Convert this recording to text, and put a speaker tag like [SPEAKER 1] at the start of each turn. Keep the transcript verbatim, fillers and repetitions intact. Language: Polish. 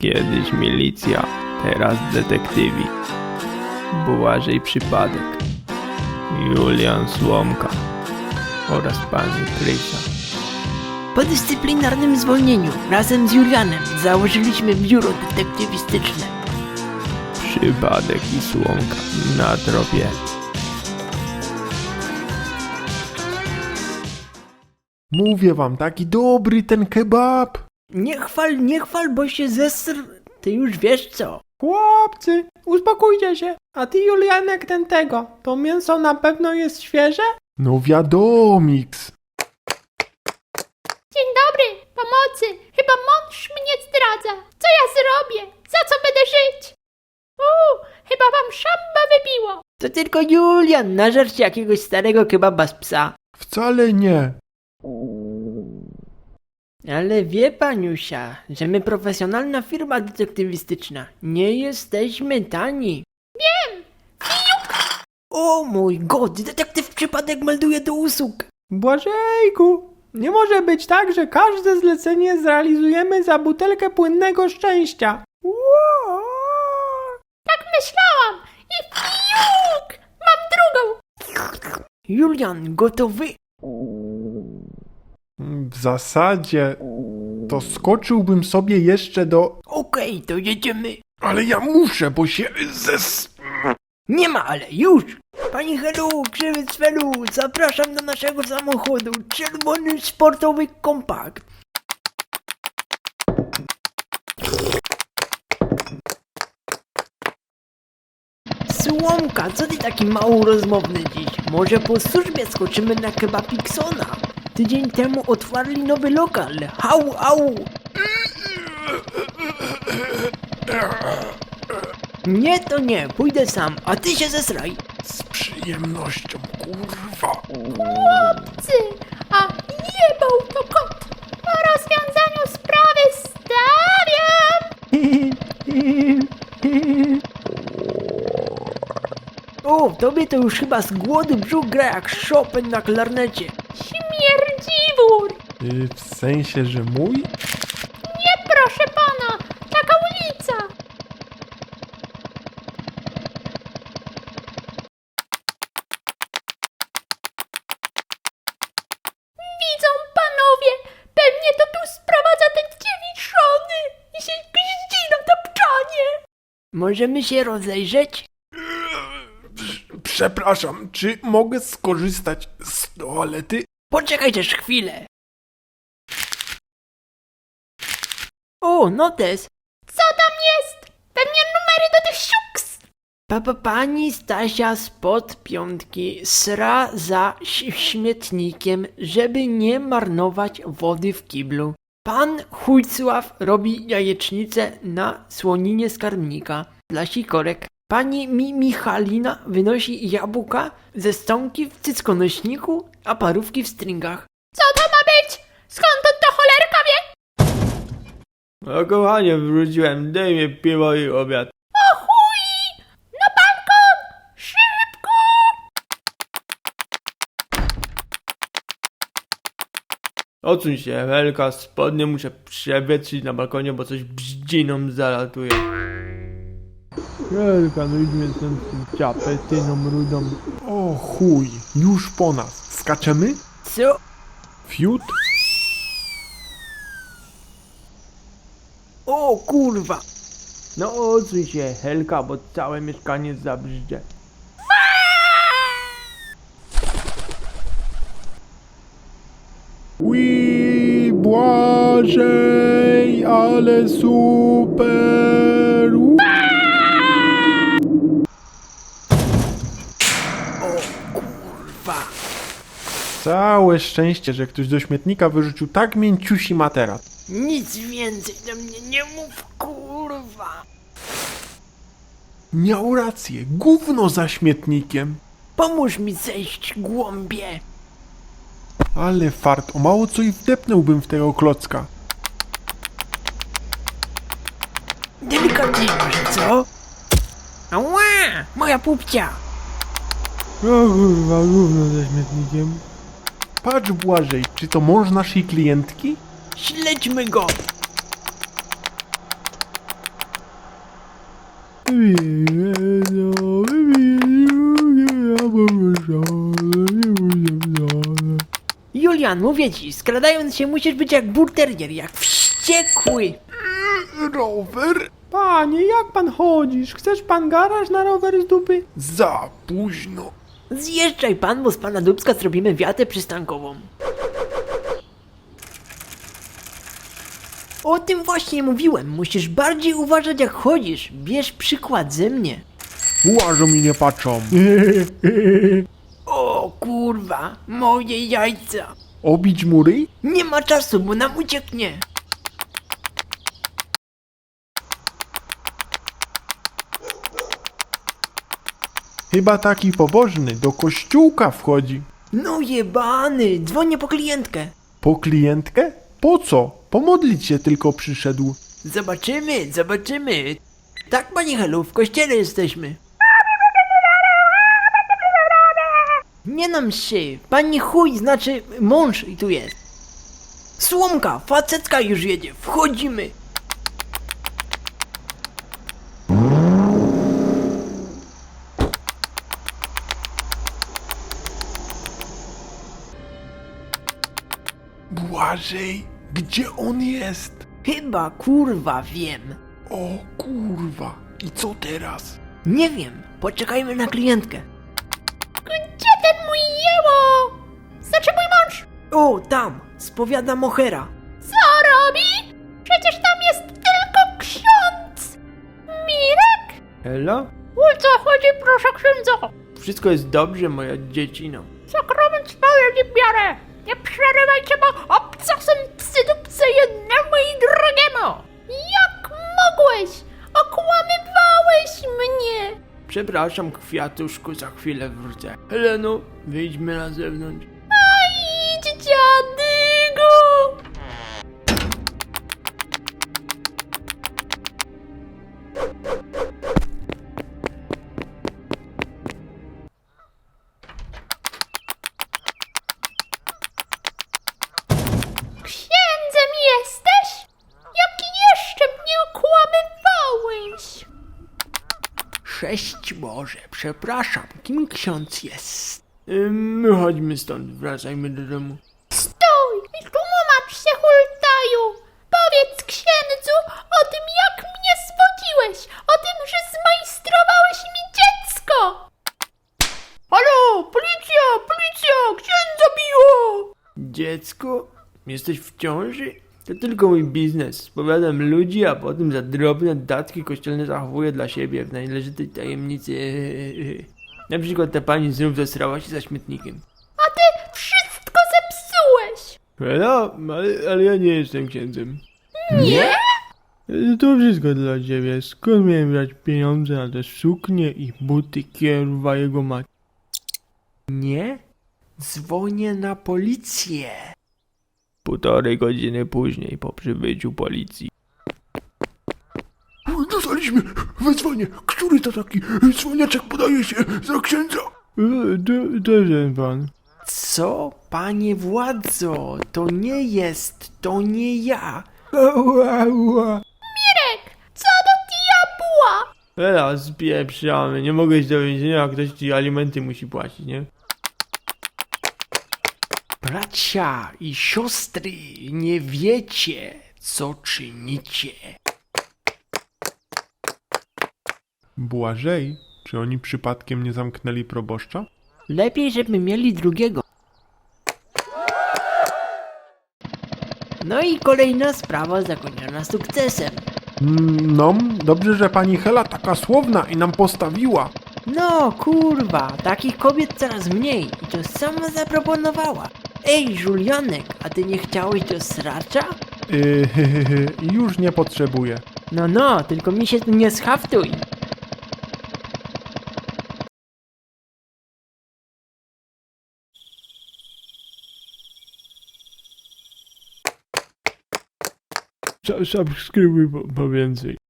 [SPEAKER 1] Kiedyś milicja, teraz detektywi. Błażej Przypadek, Julian Słomka oraz pani Krysia.
[SPEAKER 2] Po dyscyplinarnym zwolnieniu razem z Julianem założyliśmy biuro detektywistyczne.
[SPEAKER 1] Przypadek i Słomka na tropie.
[SPEAKER 3] Mówię wam, taki dobry ten kebab.
[SPEAKER 2] Nie chwal, nie chwal, bo się zesr... Ty już wiesz co.
[SPEAKER 4] Chłopcy, uspokójcie się. A ty, Julianek, ten tego. To mięso na pewno jest świeże?
[SPEAKER 3] No wiadomiks.
[SPEAKER 5] Dzień dobry, pomocy. Chyba mąż mnie zdradza. Co ja zrobię? Za co będę żyć? Uuu, chyba wam szamba wybiło.
[SPEAKER 2] To tylko Julian nażarł się jakiegoś starego kebaba z psa.
[SPEAKER 3] Wcale nie.
[SPEAKER 2] Ale wie paniusia, że my profesjonalna firma detektywistyczna. Nie jesteśmy tani.
[SPEAKER 5] Wiem.
[SPEAKER 2] O mój god, detektyw Przypadek melduje do usług.
[SPEAKER 4] Błażejku, nie może być tak, że każde zlecenie zrealizujemy za butelkę płynnego szczęścia. Ło!
[SPEAKER 5] Tak myślałam. I fiuk! Mam drugą.
[SPEAKER 2] Julian, gotowy?
[SPEAKER 3] W zasadzie to skoczyłbym sobie jeszcze do...
[SPEAKER 2] Okej, to jedziemy.
[SPEAKER 3] Ale ja muszę, bo się zes...
[SPEAKER 2] Nie ma, ale już! Pani Helu, krzywy z Felu, zapraszam do naszego samochodu. Czerwony sportowy kompakt. Słomka, co ty taki mało rozmowny dziś? Może po służbie skoczymy na Kebapiksona? Tydzień temu otwarli nowy lokal. Hau, au! Nie, to nie, pójdę sam, a ty się zesraj.
[SPEAKER 3] Z przyjemnością, kurwa.
[SPEAKER 5] Chłopcy, a jebał to kot. Po rozwiązaniu sprawy stawiam.
[SPEAKER 2] O, tobie to już chyba z głodu brzuch gra jak Chopin na klarnecie.
[SPEAKER 5] Śmierdziwór.
[SPEAKER 3] Y, w sensie, że mój?
[SPEAKER 5] Nie, proszę pana. Taka ulica. Widzą panowie. Pewnie to tu sprowadza ten dziewiczony i się gździ na tapczanie.
[SPEAKER 2] Możemy się rozejrzeć?
[SPEAKER 3] Przepraszam, czy mogę skorzystać z toalety?
[SPEAKER 2] Poczekaj też chwilę. O, notes.
[SPEAKER 5] Co tam jest? Pewnie numery do tych siuks.
[SPEAKER 2] Papa pani Stasia spod piątki sra za ś- śmietnikiem, żeby nie marnować wody w kiblu. Pan Chujcław robi jajecznicę na słoninie z karmnika dla sikorek. Pani Mi Michalina wynosi jabłka ze stonki w cyckonośniku, a parówki w stringach.
[SPEAKER 5] Co to ma być? Skąd on to cholerka wie?
[SPEAKER 1] No kochanie, wróciłem, daj mi piwo i obiad.
[SPEAKER 5] O chuj! Na balkon! Szybko!
[SPEAKER 1] Odsuń się, Helka, spodnie muszę przewietrzyć na balkonie, bo coś bździną zalatuje. Helka, no idźmy stąd z tym ciapetyną rudą.
[SPEAKER 3] O chuj, już po nas. Skaczemy?
[SPEAKER 2] Co?
[SPEAKER 3] Fiut?
[SPEAKER 2] O kurwa!
[SPEAKER 1] No odsuń się, Helka, bo całe mieszkanie zabrzdzie.
[SPEAKER 3] Ui, Błażej, ale super! U-
[SPEAKER 2] Kurwa!
[SPEAKER 3] Całe szczęście, że ktoś do śmietnika wyrzucił tak mięciusi materac.
[SPEAKER 2] Nic więcej do mnie nie mów, kurwa!
[SPEAKER 3] Miał rację, gówno za śmietnikiem.
[SPEAKER 2] Pomóż mi zejść, głąbie!
[SPEAKER 3] Ale fart, o mało co i wdepnąłbym w tego klocka.
[SPEAKER 2] Delikatnie może, co? Ała! Moja pupcia!
[SPEAKER 3] O kurwa, gówno za śmietnikiem. Patrz Błażej, czy to mąż naszej klientki?
[SPEAKER 2] Śledźmy go! Julian, mówię ci, skradając się musisz być jak burterier, jak wściekły.
[SPEAKER 3] Rower?
[SPEAKER 4] Panie, jak pan chodzisz? Chcesz pan garaż na rower z dupy?
[SPEAKER 3] Za późno.
[SPEAKER 2] Zjeżdżaj pan, bo z pana Dubska zrobimy wiatę przystankową. O tym właśnie mówiłem, musisz bardziej uważać jak chodzisz, bierz przykład ze mnie.
[SPEAKER 3] Łażą i nie patrzą.
[SPEAKER 2] O kurwa, moje jajca.
[SPEAKER 3] Obić mury?
[SPEAKER 2] Nie ma czasu, bo nam ucieknie.
[SPEAKER 3] Chyba taki pobożny do kościółka wchodzi.
[SPEAKER 2] No jebany, dzwonię po klientkę.
[SPEAKER 3] Po klientkę? Po co? Pomodlić się tylko przyszedł.
[SPEAKER 2] Zobaczymy, zobaczymy. Tak, panie Helu, w kościele jesteśmy. Nie nam się, pani chuj, znaczy mąż i tu jest. Słomka, facetka już jedzie, wchodzimy.
[SPEAKER 3] Błażej, gdzie on jest?
[SPEAKER 2] Chyba kurwa wiem.
[SPEAKER 3] O kurwa, i co teraz?
[SPEAKER 2] Nie wiem, poczekajmy na klientkę.
[SPEAKER 5] Gdzie ten mój jeło? Znaczy mój mąż?
[SPEAKER 2] O, tam, spowiada mochera.
[SPEAKER 5] Co robi? Przecież tam jest tylko ksiądz. Mirek?
[SPEAKER 1] Ela?
[SPEAKER 5] O co chodzi, proszę księdza?
[SPEAKER 1] Wszystko jest dobrze, moja dziecino.
[SPEAKER 5] Sakrament swoje nie biorę. Nie przerywajcie, bo obcasem psy dupce jednemu i drugiemu. Jak mogłeś? Okłamywałeś mnie.
[SPEAKER 1] Przepraszam, kwiatuszku, za chwilę wrócę. Heleno, wyjdźmy na zewnątrz.
[SPEAKER 5] A idź, dziadygu. Księdzem jesteś? Jaki jeszcze mnie okłamywałeś?
[SPEAKER 2] Sześć Boże, przepraszam, kim ksiądz jest?
[SPEAKER 1] Ym, chodźmy stąd, wracajmy do domu.
[SPEAKER 5] Stój i tłumacz się, hultaju! Powiedz księdzu o tym, jak mnie zwodziłeś, o tym, że zmajstrowałeś mi dziecko! Halo, policja, policja, księdza biło!
[SPEAKER 1] Dziecko? Jesteś w ciąży? To tylko mój biznes. Spowiadam ludzi, a potem za drobne datki kościelne zachowuję dla siebie w należytej tajemnicy. Na przykład ta pani znów zesrała się za śmietnikiem.
[SPEAKER 5] A ty wszystko zepsułeś!
[SPEAKER 1] No, ale, ale ja nie jestem księdzem.
[SPEAKER 5] Nie?
[SPEAKER 1] To wszystko dla ciebie. Skąd miałem brać pieniądze na te suknie i buty kierowa jego maci?
[SPEAKER 2] Nie? Dzwonię na policję.
[SPEAKER 1] Półtorej godziny później po przybyciu policji.
[SPEAKER 3] Dostaliśmy wezwanie. Który to taki dzwoniaczek podaje się za księdza?
[SPEAKER 1] E, To, to ten pan.
[SPEAKER 2] Co, panie władzo, to nie jest, to nie ja.
[SPEAKER 5] Mirek, co do diabła?
[SPEAKER 1] Ela, spieprzamy. Nie mogę iść do więzienia, a ktoś ci alimenty musi płacić, nie?
[SPEAKER 2] Bracia i siostry, nie wiecie, co czynicie.
[SPEAKER 3] Błażej, czy oni przypadkiem nie zamknęli proboszcza?
[SPEAKER 2] Lepiej, żeby mieli drugiego. No i kolejna sprawa zakończona sukcesem.
[SPEAKER 3] Mm, No, dobrze, że pani Hela taka słowna i nam postawiła.
[SPEAKER 2] No kurwa, takich kobiet coraz mniej i to sama zaproponowała. Ej, Julianek, a ty nie chciałeś do sracza?
[SPEAKER 3] Yy, już nie potrzebuję.
[SPEAKER 2] No no, tylko mi się tu nie schaftuj.
[SPEAKER 1] Subskrybuj po, po więcej.